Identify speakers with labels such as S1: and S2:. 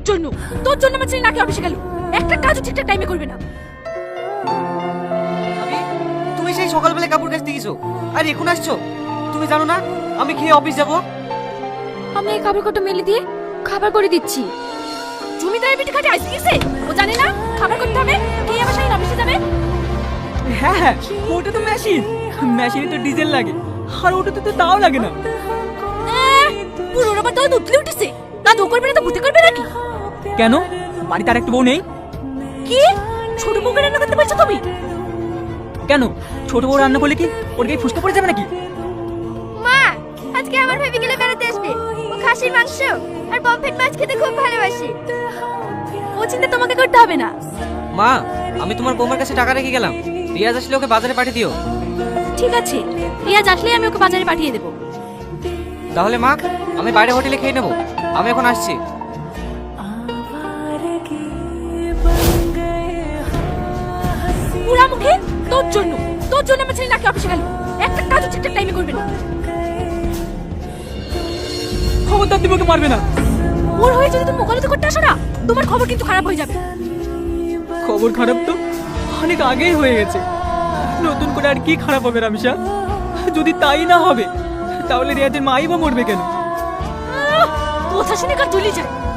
S1: জন্য তোর জন্য আমার ছেলে নাকি অফিসে গেল, একটা কাজও ঠিকঠাক টাইমে করবে না।
S2: তুমি সেই সকালবেলা কাপড় কাচতে গেছো আর এখন আসছো? তুমি জানো না আমি খেয়ে অফিস যাব?
S1: আমি এই কাপড় কটা মেলে দিয়ে খাবার করে দিচ্ছি। জমিদারের পিঠে খাটে আইসি গেছে, ও জানে না খাবার করতে হবে, কে আবার সাইন অফিসে যাবে।
S3: হ্যাঁ হ্যাঁ, ওটা তো মেশিন, মেশিনে তো ডিজেল লাগে, আর ওটাতে তো তাও লাগে না।
S1: পুরোর আবার তো উঠলে উঠেছে, না তো করবে না তো ভূতে করবে নাকি?
S3: কেন, বাড়িতে আর একটা বউ নেই?
S1: কি ছোট বউকে রান্না করতে বলছো তুমি?
S3: কেন, ছোট বউ রান্না করলে কি ওর গায়ে ফুসকা পড়ে যাবে নাকি?
S4: মা, আজকে আমার ভাবি গেলে বেড়াতে আসবে। ও খাসির মাংস আর পমফ্রেট মাছ খেতে খুব ভালোবাসে।
S1: ও চিন্তা তোমাকে করতে হবে না।
S2: মা, আমি তোমার বৌমার কাছে টাকা রেখে গেলাম, রিয়াজ আসলে ওকে বাজারে পাঠিয়ে দিও।
S1: ঠিক আছে, রিয়াজ আসলেই আমি ওকে বাজারে পাঠিয়ে দেবো।
S2: তাহলে মা, আমি বাইরে হোটেলে খেয়ে নেবো, আমি এখন আসছি।
S1: পুরা মুখে তোর জন্য আমার ছেলে নাকি অফিসে গেল, একটা কাজও ঠিকঠাক টাইমে করবে না।
S3: খবরদার তুমি ওকে মারবে না।
S1: ওর হয়ে যদি তুমি মোকাবিলা করতে আসো না, তোমার খবর কিন্তু খারাপ হয়ে যাবে।
S3: খবর খারাপ তো অনেক আগেই হয়ে গেছে, নতুন করে আর কি খারাপ হবে রামিসা? যদি তাই না হবে তাহলে রিয়াজের মাই বা মরবে কেন?
S1: কথা শুনে কার তুলি যায়।